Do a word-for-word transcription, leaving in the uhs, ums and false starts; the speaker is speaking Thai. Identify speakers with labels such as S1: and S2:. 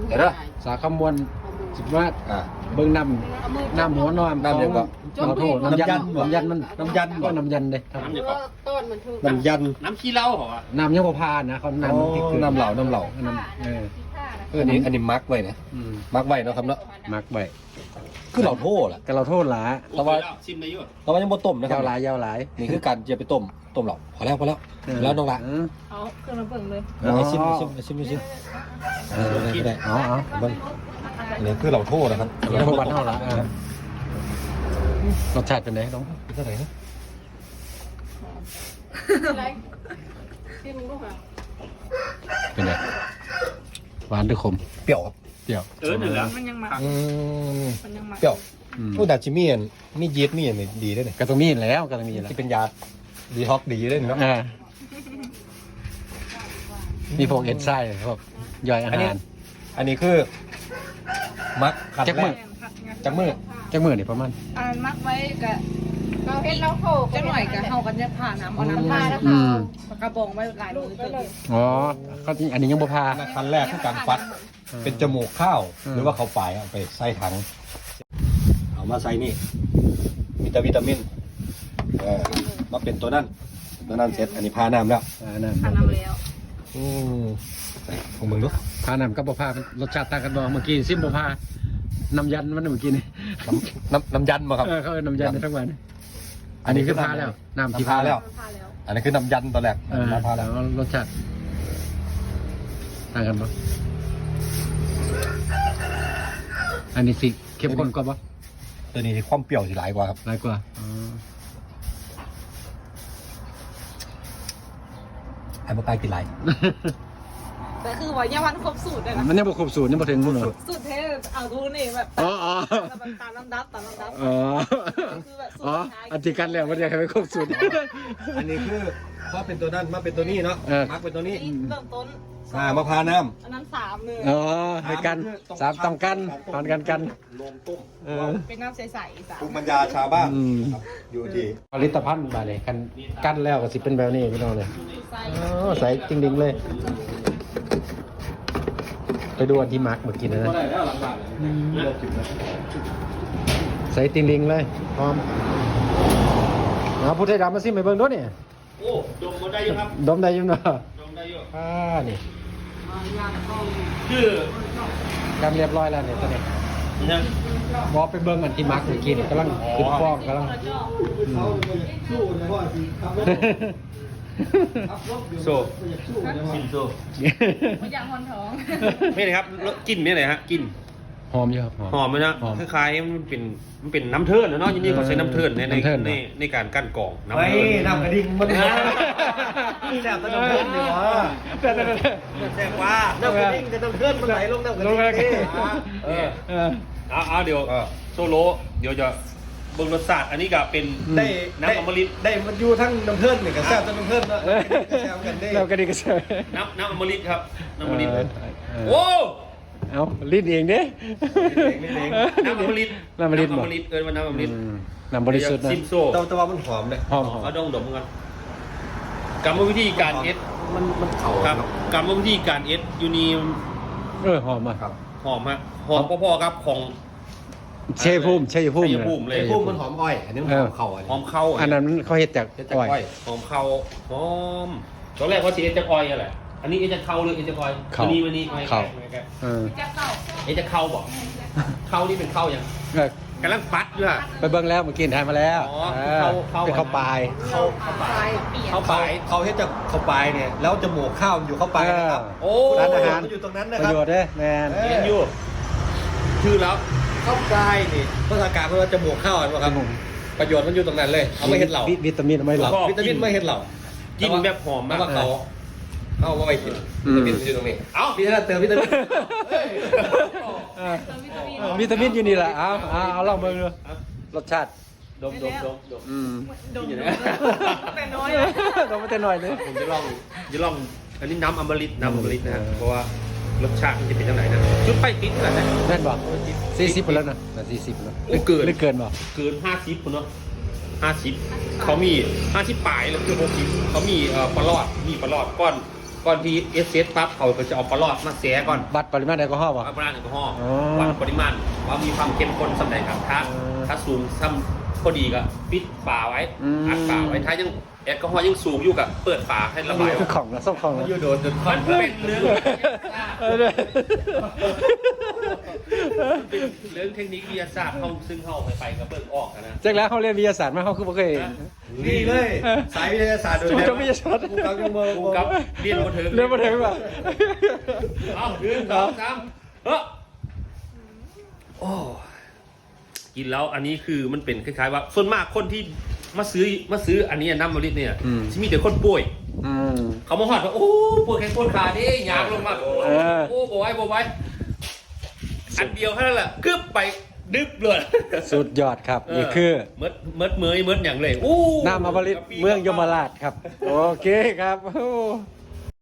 S1: เดี๋ยวนะ
S2: สาขมวนสิบว่าเบิ้งน้ำน้ำหัวนอน
S1: น้ำยังก็
S2: เราโทษน้ำยันน้ำยันมันน้ำยันก็น้ำยันเลย
S3: น้ำเนี่ยก็
S4: ต้นมันถูก
S1: น้ำยัน
S3: น้ำขี้เหล้าเหรอวะ
S2: น้ำยังบ่พานนะเขาน้ำมันติด
S1: น้ำเหล่าน้ำเหล่า
S2: น้ำเออ
S1: เอออันนี้อันนี้มักไว้เนี่ย
S2: อืม
S1: มักไว้เนาะครับเนาะ
S2: มักไว้
S1: คือเราโทษล่ะ
S2: ก็เราโทษหลา
S1: แต่ว่า
S3: ชิมได้อยู่
S1: แต่ว่ายังบ่ต้มนะครั
S2: ยา
S1: บ
S2: วหลายยาวหลาย
S1: นี่คือการจะไปต้มต้มเหล่าพอแล้วพอแล้วแล้วน้องละ
S2: เออ
S4: เอาเครื่องน้ำเบิ่งเลย
S1: เอาให้ชิมให้ชิมให้ชิมให้ชิมเออได้ได้
S2: อ๋ออ๋อ
S1: เบิ่งอันนี้คือเราโทษนะครับ
S2: เราโทษวันเท่าละเออรสชาติเป็นไงน้อง
S1: เป็นเท่าไหร่นะ
S4: อะไรที่มึงรู้ป่ะ
S2: เป็นไงหวานหรือขม
S1: เปรี้ยวครับ
S2: เปรี้ยว
S3: เออหนึ่งแล้ว
S4: มันยังมา
S1: อืม
S4: มันยังมา
S1: เปรี้ยว
S2: อืม
S1: โอ้ดาจิมีอันมียีสต์มีอันนี้ดีด้วยเนี่ย
S2: ก็ต้องมีแล้วก็ต้องมีแล้ว
S1: ที่เป็นยาดีท็อกดีด้วยเนาะ
S2: อ่ามีพวกเอนไซม์พวกย่อยอา
S1: อันนี้
S2: หาร
S1: อันนี้คือมักขัด
S2: จัก
S1: แร
S2: มื้อ
S1: กจักมือ
S2: จักมื้อนี่ประมาณ
S4: อ่านมักไว้กับเราเห็นเราโขกจะหน่อยกับเฮากันจะผ่าน้ำเอาน้ำผ่าแล้ว
S2: อื
S4: เขา
S2: ม
S4: กระบองไว้หลายมือเกิน
S2: อ๋อเขาจริงอันนี้ยังบ่พา
S1: ขั้นแรกคือการฟัด เป็นจมูกข้าว
S2: อืม
S1: หรือว่าเขาวฝ่ายเอาไปใส่ถัง เอามาใส่นี่วิตาวิตามินเออมาเป็นตัวนั้นตัวนั้นเสร็จอันนี้พาน้ำแล้ว
S2: อ่านั่น
S4: ผ่าน้ำแล้ว
S1: อืมของมึงดู
S2: พานำกับบ่พารสชาติต่างกันบ่เมื่อกี้ซิมบ่พาน้ำยันมันเมื่อกี้นี่
S1: น้ำน้ำน้ำยันมาครับ
S2: เออเขาเอิ้นน้ำยันทั้งวันอันนี้คือพาแล้วน้ำที่
S1: พาแล้ว
S4: ผ่าแล้ว
S1: อันนี้คือน้ำยันตัวแรก
S2: เออ
S1: น้ำพาแล้ว
S2: แล้วรสชาติต่างกันบ่อันนี้สิเข้มข้นกว่าบ่
S1: ตัวนี้ความเปรี้ยวสิหลายกว่าครับ
S2: หลายกว่าอ๋อ
S1: ไอ้ปลากายกินหลาย
S4: แต่คือว่ายังวันครบสูตรเลยนะ
S2: มันยังบ่ครบสูตรยังบ่ถึงพุ่นเนาะ
S4: สูตรเทเอาดูนี่แบบ
S2: อ๋ออ๋อ
S4: แบบตามลำดับตามลำดับ
S2: อ๋อ
S4: คือแบบสูต
S2: อ๋อ
S4: รท้าย
S2: อันที่กันแล้วมันอยากให้ไปครบสูตร
S1: อันนี้คือพอเป็นตัวนั้นมาเป็นตัวนี้เนาะ
S2: เออ
S1: มักเป็นตัวนี้
S4: นี่เริ่มต้น
S1: อ่ามาพาน้
S4: อันนั้นสามเลย
S2: อ๋อในกันสามต้องกันตอนกันกัน
S1: ำลงต้ม
S2: เออ
S4: เป็นน้ำใสๆสาม
S1: ภูมิปัญญาชาวบ้าน
S2: อืม
S1: ครับอยู่ที่
S2: ผลิตภัณฑ์บาเลยกันกันแล้วก็สิเป็นแบบนี้พี่น้องเลย
S4: ใส่
S2: อ๋อใส่จริงๆเลย ไปดูอันที่มาร์กเมื่อกี้นะนะใส่ติงลิงเลยพร้อมเอาผู้ไทยดำมาซิไปเบิ่งด้วยนี่
S3: โอ้ดมมาได้อยู่ครับ
S2: ดมได้อยังเนาะ
S3: ดมได้อยู่
S2: อ่านี่
S3: ชื่อ
S2: กันเรียบร้อยแล้วเนี่ยตอนนี้
S3: เนี่ย
S2: บอกไปเบิ่งอันที่มาร์กเมื่อกี้นี่กำลังขึ้นฟองกำลังอืม
S3: โซ่ชิมโซ่
S4: ไม่อยากหอนท้อง
S3: ไม่เลยครับรสกลิ่นไม่เลยฮะกลิ่น
S2: หอมอยู่ครับ
S3: หอมไหมนะ
S2: หอม
S3: คล้ายๆมันเป็นมันเป็นน้ำเทิร์นนะเนาะยินดีเขาใช้น้ำเทิร์นในใน
S2: น้ำเทิร์นเหรอ
S3: ในในการกั้นกรองน้ำ
S1: เฮ้ย
S3: เทิร์น
S1: น้ำกระดิ่งมันแซ่บตะน้ำเพื่อนดีวะ
S2: เดี๋ยวๆ
S1: แซ่บว่าน้ำกระดิ่งจะน้ำเพื่อนมันไหลลงน้ำกระ
S2: ล
S1: ดิ่
S2: ง
S1: ง
S2: เลย
S1: นี่
S2: ๆเออเออ
S3: เอาเอาเดี๋ยว
S1: เออ
S3: โซโลเดี๋ยวจะเบิ่งรสชาติอันนี้ก็เป็น
S1: ได้
S3: น้ำอมฤต
S1: ได้มันอยู่ทั้งน้ำเพื่อนนี่กับแซ่บตะน้ำเพื่อนเนาะแซ่บกันได้
S2: เราก็ดีก็เชื่อ
S3: น้ำน้ำอมฤตครับน้ำอมฤต
S2: เออ
S3: โอ้
S2: เอาลิ้นเองเด้
S3: น้ำอมฤต
S2: น้ำอมฤต
S3: น้ำ
S2: บ่
S3: อมฤตเอิ้นว่าน้ำอมฤต
S2: อืมน้ำบริสุทธิ์นะ
S3: ซิมโซ่
S1: แต่แต่ว่ามันหอมเลย
S2: หอมหอม
S3: เอาดองดมกันกรรมวิธีการเอส
S1: มันมันเข่า
S3: ครับกรรมวิธีการเอสยูนี
S2: เออหอมอ่ะ
S1: ครับ
S3: หอมฮะหอมพอๆครับของ
S2: เชยภูมิเชยภูมิ
S3: ชัยภูมิเลย
S1: ไอ้พวกมันหอมอ้อย อันนี้มันหอมเข่าอัน
S3: หอ
S1: นี้
S3: มเข้า
S2: อันนั้นเขาเฮ็ดจาก
S1: เป็นจาก
S2: อ้อย
S1: อ้อย
S3: หอมเข้าหอมตอนแรกเขาจะเอสจากออยอะไรอันนี้เอสจากเข้าหรือเอสจากออยอันนี้วันนี้ไม่
S2: เข้า
S3: ไม่ไม่
S2: เออ
S4: จะเก่า
S3: เอสจากเข้าบอกเข้านี่เป็นเข้ายัง
S2: เออก
S3: ำลังฟัดอยู่อะ
S2: ไปเบิ่งแล้วเมื่อกี้ทานมาแล้ว
S3: อ๋อ
S2: เอ
S3: เข้า
S2: อ
S3: เข้า
S2: เป็นข้าวปลาย
S3: เข้าเข้าไป
S4: เข้า
S3: เข้า
S4: ไป
S3: ไป
S1: เขาเฮ็ดจากเข้าปลายเนี่ย แล้วจมูกข้าวมันอยู่เข้าปลายนะครับ
S3: โอ้
S2: ร้านอาหาร
S1: มันอยู่ตรงนั้นนะ
S2: ประ
S1: ครับ
S2: โยชน์เด้แมน
S1: เอ
S3: เห็นอยู่ชื่อแล้ว
S1: เข้าปลายนี่ภาษากลางเขาเรียกว่าจมูกข้าวเห็นไหมครับ ประโยชน์มันอยู่ตรงนั้นเลย เอาไม่เห็ดเหล่า
S2: วิวิตามินเอาไม่เหล่า
S1: วิตามินไม่เห็ดเหล่า
S3: กินแบบหอม
S1: แล้
S3: มาว ก
S1: ว่าเขาเอาว่าไปกิน
S2: อื
S1: วิ
S2: ม
S1: ตามินอยู่ตรงนี้
S3: เอ้า
S1: พี่ท่านเติมวิตามิน
S2: เออเออวิตามินอยู่นี่แหละเอาเอาเอาลองเบิ่งดูรสชาติ
S3: ดมดมดมดม
S2: อืม
S4: ดม
S3: อยู่
S4: ด
S3: นะ
S4: มแต่น้อย
S2: ลองมาแต่หน่อยนึง
S3: ผมจะลองจะลองอันนี้น้ำอมฤตน้ำอมฤตนะฮะ
S2: เออ
S3: เพราะว่ารสชาติมันจะเป็นยังไงนะจุดไฟติดขนาดไหน
S2: แม่นบ่สี่สิบไปแล้วนะแต่สี่สิบแล้ว
S3: โอ้เกิน
S2: หรือเกินบ่
S3: เกินห้าสิบคุณเนาะห้าสิบเขามีห้าสิบปลายแล้วคือหกสิบเขามีเอ่อปลาลอดมีปลาลอดก้อนก่อนที่เอสเอสปั๊บเขาก็จะเอาปลาลอดมาแสก่อน
S2: บัตรปริมาณแอลกอฮอล์ป่ะ
S3: วัดปริมาณแอลกอฮอล์
S2: อ๋อ
S3: วัดปริมาณว่ามีความเข้มข้นสำหรับครับถ้า
S2: เออ
S3: ถ้าสูงซ้ำพอดีก็ปิดฝาไว้
S2: อืม
S3: อัดฝาไว้ถ้ายังแอลกอฮอล์ยังสูงอยู่กับเปิดฝาให้ระบายออก
S2: ของนะส้มของนะ
S1: ยูโดนจน
S3: มันเป็นเรื่อง
S2: เออเนี่ย
S3: เรื่องเทคนิควิทยาศาสตร์เขาซึ่งเขาไปไปกับเบิกออกอะนะ
S2: จากแล้วเขาเรียนวิทยาศาสตร์มาเขาคือบ่เคย
S1: นี่เลย สายวิทยาศาสตร์โดย
S2: จุด
S1: แท้
S2: จบวิทยาศาสตร์
S1: กูกับยังเบอร์
S3: กูกับเรียนมาถึง
S2: เรียนมาถึงป่ะ
S3: เอาหนึ่งสองสามเฮ้อโอ้กินแล้วอันนี้คือมันเป็นคล้ายๆว่าส่วนมากคนที่มาซื้อมาซื้ออันนี้น้ำมะลิเนี่ยจะมีแต่คนป่วย
S2: อืม
S3: เขามาหอดว่าโอ้ปวดแขนปวดขาดิยางลงมาโอ้
S2: เออ
S3: โอ้บอยบอยอันเดียวแค่นั้นแหละกึบไปดึบเลย
S2: สุดยอดครับนี่คือ
S3: เมิดเมิดเมยเมิดอย่างเลยอู้
S2: น้ำอมฤตเมืองยมราชครับ โอเคครับโอ้